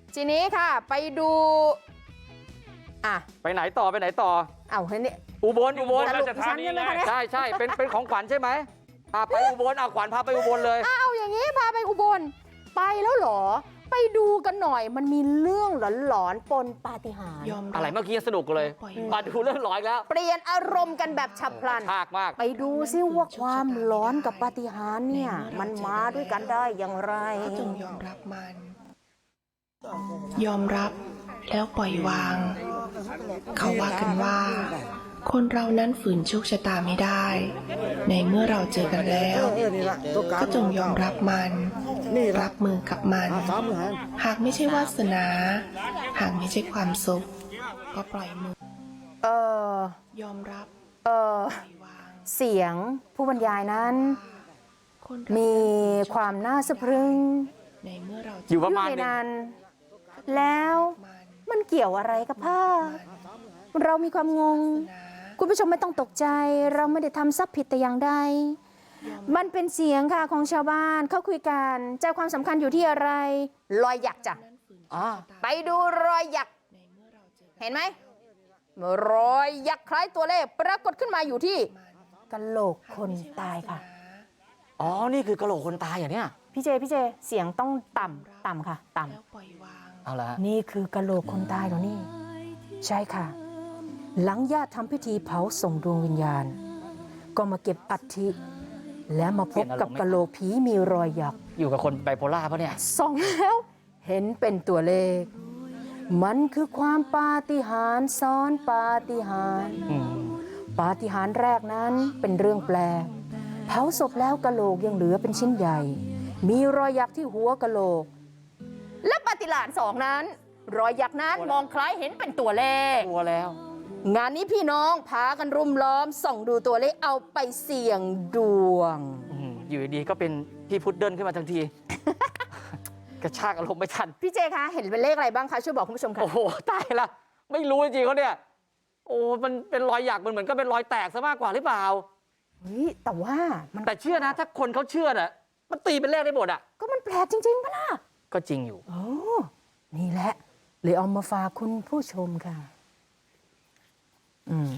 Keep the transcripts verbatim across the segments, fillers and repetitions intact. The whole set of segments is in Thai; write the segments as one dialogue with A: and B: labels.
A: ทีนี้ค่ะไปดูอ่ะ
B: ไปไหนต่อไปไหนต่อ
A: เอ้าเฮ้ยนี่
B: อุบลอุบล
A: สรุปดิฉันใช่ไหมคะเนี่ย
B: ใช่ใช่เป็นเป็นของขวัญใช่ไหมอ่ะไปอุบลอ่ะขวัญพาไปอุบลเลย
A: อ้าวอย่างนี้พาไปอุบลไปแล้วเหรอไปดูกันหน่อยมันมีเรื่องหลอนๆปนปาฏิหาริย์
C: ยอม
B: อะไรเมื่อกี้สนุกเลยมาดูเรื่องร้อยแล้ว
A: เปลี่ยนอารมณ์กันแบบฉับพลัน
B: ภาคมาก
A: ไปดูซิว่าความร้อนกับปาฏิหาริย์เนี่ยมันมาด้วยกันได้อย่างไร
C: ก็จงยอมรับมัน ยอมรับแล้วปล่อยวาง เขาว่ากันว่า คนเรานั้นฝืนโชคชะตาไม่ได้ ในเมื่อเราเจอกันแล้ว ก็จงยอมรับมัน รับมือกับมัน หากไม่ใช่วาสนา หากไม่ใช่ความสุข ก็ปล่อยมือ
A: เออ
C: ยอมรับ
A: เออ
C: ปล่อยวาง
A: เสียงผู้บรรยายนั้น
C: คนเรา
A: มีความน่าสะพรึง
C: ในเมื่อเราเจ
B: อยู่ประมาณ
A: ใน
B: หนึง
A: นั้นแล้ว
C: มัน
A: มันเกี่ยวอะไรกับผ้าเรามีความงง
C: นะ
A: คุณผู้ชมไม่ต้องตกใจ เราไม่ได้ทำซับผิดแต่อย่างใด มันเป็นเสียงค่ะของชาวบ้านเขาคุยกันใจความสำคัญอยู่ที่อะไร รอยหยักจ้ะ
C: นั้นฝืนโช
B: อ่า
C: คชะตา
A: ไปดูรอยหยัก
C: ในเมื่อเราเจอกัน
A: เห็นไหมรอยหยักคล้ายตัวเลขปรากฏขึ้นมาอยู่ที่กะโหลกคนตายค่ะ
B: อ๋อนี่คือกะโหลกคนตายอย่างเนี้ย
A: พี่เจพี่เจเสียงต้องต่ำต่ำค่ะ ต่
C: แล้วปล่อยวาง
B: เอาละ
A: ำนี่คือกะโหลกคนตายเหรอนี่ ใช่ค่ะ หลังญาติทำพิธีเผาส่งดวงวิญญาณ ก็มาเก็บอัฐิและมาพบกับกะโหลกผีมีรอยหยัก
B: อยู่กับคนไบโพล่าปะเนี่ย
A: ส่องแล้วเห็นเป็นตัวเลข มันคือความปาฏิหาริย์ซ้อนปาฏิหาริย์
B: อืม
A: ปาฏิหาริย์แรกนั้นเป็นเรื่องแปลกเผาศพแล้วกะโหลกยังเหลือเป็นชิ้นใหญ่ มีรอยยักษ์ที่หัวกะโหลก และปาฏิหาริย์สองนั้น รอยยักษ์นั้นมองคล้ายเห็นเป็นตัวเลข
B: กลัวแล้ว
A: งานนี้พี่น้องพากันรุมล้อมส่องดูตัวเลขเอาไปเสี่ยงดวง
B: อืมอยู่ดีๆก็เป็นพี่พุดเดิ้ลขึ้นมาทันที กระชากอารมณ์ไม่ทัน
A: พี่เจคะเห็นเป็นเลขอะไรบ้างคะช่วยบอกคุณผู้ชมค่ะ
B: โอ้โหตายละไม่รู้จริงๆเขาเนี่ยโอ้มันเป็นรอยหยักมันเหมือนก็เป็นรอยแตกซะมากกว่าหรือเปล่า
A: เฮ้ยแต่ว่ามัน
B: แต่เชื่อนะถ้าคนเขาเชื่อน่ะมันตีเป็นเลขได้หมดอ่ะ
A: ก็มันแปลกจริงๆปะล่ะ
B: ก็จริงอยู่
A: โอ้นี่แหละเลยเอามาฝากคุณผู้ชมค่ะ อืม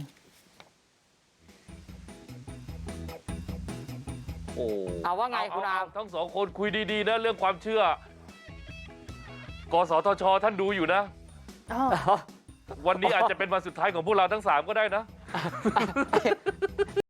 D: โอ้
B: เอาว่าไงคุณอาม
D: ทั้งสองคนคุยดีๆนะเรื่องความเชื่อ กสทช ท่านดูอยู่นะ
A: อ๋อ
D: วันนี้อาจจะเป็นวันสุดท้ายของพวกเราทั้งสามก็ได้นะ